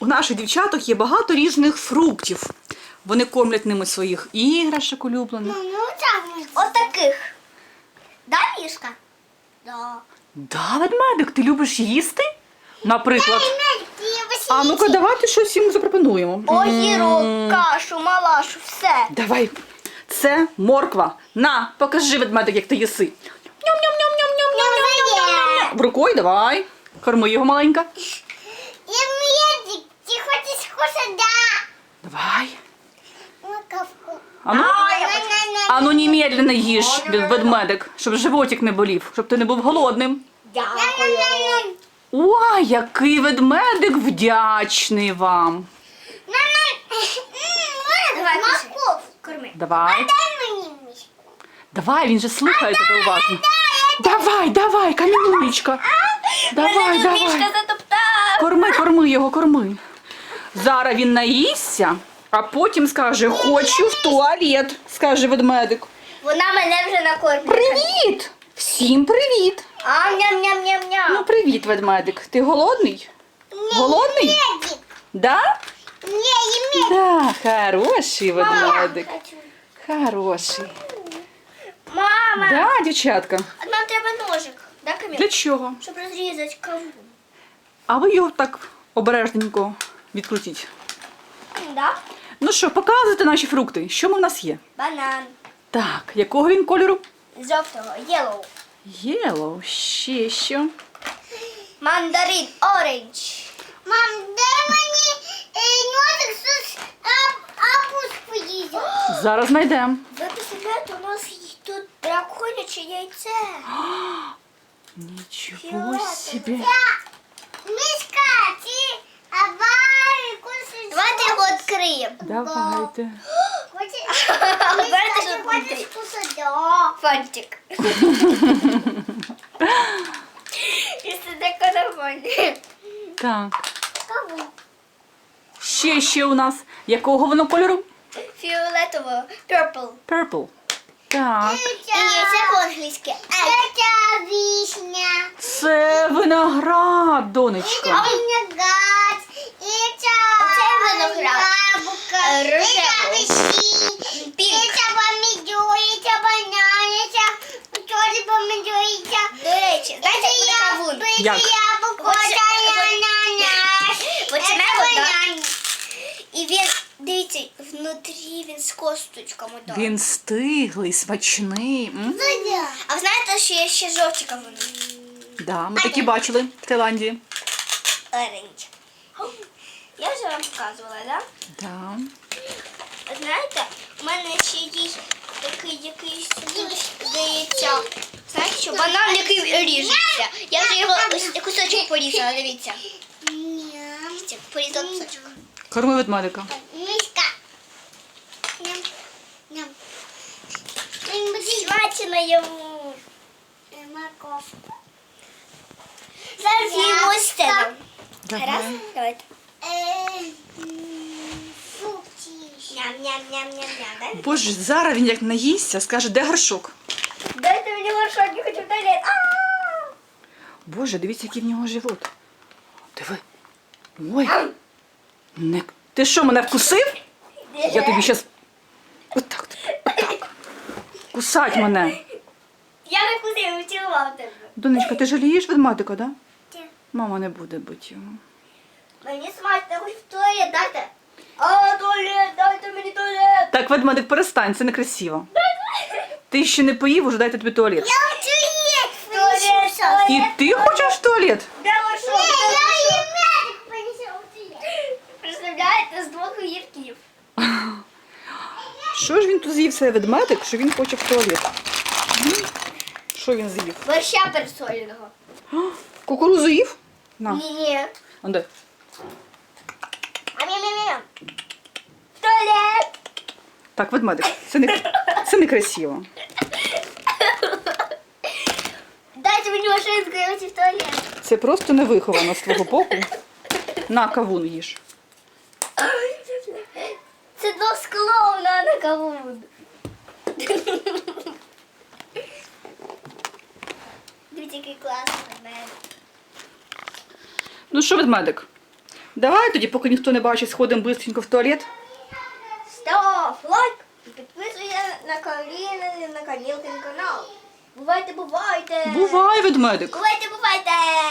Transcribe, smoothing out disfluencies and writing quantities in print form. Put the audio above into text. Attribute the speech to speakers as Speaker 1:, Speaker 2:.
Speaker 1: у наших дівчаток є багато різних фруктів. Вони кормлять ними своїх іграшок улюблених.
Speaker 2: Отаких. Да, Мішка? Да.
Speaker 1: Да, ведмедик, ти любиш їсти? Наприклад. А ну-ка, давайте щось йому запропонуємо.
Speaker 2: Огірок, кашу, малашу, все.
Speaker 1: Давай. Це морква. На, покажи, ведмедик, як ти їси. Ням-ням-ням-ням-ням-ням-ням-ням. Рукою давай. Корми його маленька.
Speaker 2: Медик, ти хочеш кушати? Да.
Speaker 1: Давай.
Speaker 2: Морковку.
Speaker 1: Ану, немедленно їж, ведмедик, щоб животик не болів, щоб ти не був голодним.
Speaker 2: Дякую.
Speaker 1: Ой, який ведмедик вдячний вам.
Speaker 2: Давай, морковку корми.
Speaker 1: Давай.
Speaker 2: Дай мені мішку.
Speaker 1: Давай, він же слухає тебе уважно. Давай, камінючка. Давай.
Speaker 2: Мішка затоптав.
Speaker 1: Корми його, корми. Зараз він наїсться, а потім скаже, хочу в туалет, скаже ведмедик.
Speaker 2: Вона мене вже накормила.
Speaker 1: Привіт! Всім привіт!
Speaker 2: Ням-ням-ням-ням.
Speaker 1: Ну, привіт, ведмедик. Ти голодний? Голодний?
Speaker 2: Медик.
Speaker 1: Да?
Speaker 2: Не,
Speaker 1: Да, хороший ведмедик. Хороший.
Speaker 2: Мама.
Speaker 1: Да, дівчатка.
Speaker 2: Нам треба ножик. Да, Каміл?
Speaker 1: Для чого?
Speaker 2: Щоб розрізати кавун.
Speaker 1: А ви його так обережненько відкрутіть.
Speaker 2: Да?
Speaker 1: Ну що, показуйте наші фрукти. Що в нас є?
Speaker 2: Банан.
Speaker 1: Так, якого він кольору?
Speaker 2: Жовтого. Yellow.
Speaker 1: Єлоу, ще що?
Speaker 2: Мандарин. Orange. Мам, дай мені ножик з апуску їздять.
Speaker 1: Зараз знайдемо.
Speaker 2: Ви представляєте, у нас тут драконяче яйце.
Speaker 1: Нічого собі.
Speaker 2: Мишка, ти аварій кушай. Давайте його відкриємо.
Speaker 1: Давайте.
Speaker 2: Хочеш кушати? Фантик. Це таке нормально.
Speaker 1: Так. Ще у нас. Якого воно кольору?
Speaker 2: Фіолетово. Purple.
Speaker 1: Purple. Так.
Speaker 2: І це по-англійськи. Це вишня.
Speaker 1: Це виноград, донечко.
Speaker 2: Виноград. Оце виноград. Рожевий. Пінк. Це помідор, це банан, це чорний помідор, це... До речі, знаєте, як буде кавун?
Speaker 1: Як?
Speaker 2: Яблуко, це ананас. Починаємо, так? І він, дивіться, внутрі він з косточками.
Speaker 1: Він стиглий, смачний.
Speaker 2: А ви знаєте, що є ще жовті кавуни?
Speaker 1: Да, ми такі бачили в Таїланді.
Speaker 2: Оранж. Я вже вам показувала, так?
Speaker 1: Да.
Speaker 2: Знаєте, у мене ще є такий якийсь, здається, знаєте що, банан, який ріжеться. Я вже його кусочок порізала, дивіться. Порізала кусочок.
Speaker 1: Корми ведмедика.
Speaker 2: Мишка. Ням. Смачно йому. Морковку. Зараз їмо стену. Раз, давайте. Ням-ням-ням-ням-ням.
Speaker 1: Боже, зараз він як наїсться, скаже, де горшок?
Speaker 2: Дайте мені горшок, я хочу в туалет.
Speaker 1: Боже, дивіться, який в нього живот. Диви. Ой. Не... Ти що, мене вкусив? Я тобі щас... Отак. Кусать мене.
Speaker 2: Я не вкусив, втілував тебе.
Speaker 1: Донечка, ти жалієш ведмедика, да?
Speaker 2: Ні.
Speaker 1: Мама не буде бити його.
Speaker 2: Мені смачно, хоч в туалет дайте. А, туалет, дайте мені туалет.
Speaker 1: Так, ведмедик, перестань, це некрасиво. Ти ще не поїв, уже дайте тобі туалет.
Speaker 2: Я в туалет. Туалет.
Speaker 1: І ти хочеш в туалет?
Speaker 2: Де горшок? Я їм медик принесу в туалет. Представляєте, з двох огірків.
Speaker 1: Що ж він тут з'їв цей ведмедик, що він хоче в туалет? Що він з'їв?
Speaker 2: Борща пересоленого.
Speaker 1: Кукурузу їв? На.
Speaker 2: Ні.
Speaker 1: А де?
Speaker 2: Ам-ям-ям-ям. В туалет.
Speaker 1: Так, ведмедик, це некрасиво.
Speaker 2: Дайте мені машинку, я хочу в туалет.
Speaker 1: Це просто невиховано з твого боку. На, кавун їж.
Speaker 2: Це до скловна, а не кавун. Дивіться, який класний ведмедик.
Speaker 1: Ну що, ведмедик? Давай тоді, поки ніхто не бачить, сходимо бистренько в туалет.
Speaker 2: Став лайк і підписуйся на Каріни, на Камілкин канал. Бувайте, бувайте!
Speaker 1: Бувай, ведмедик!
Speaker 2: Бувайте, бувайте!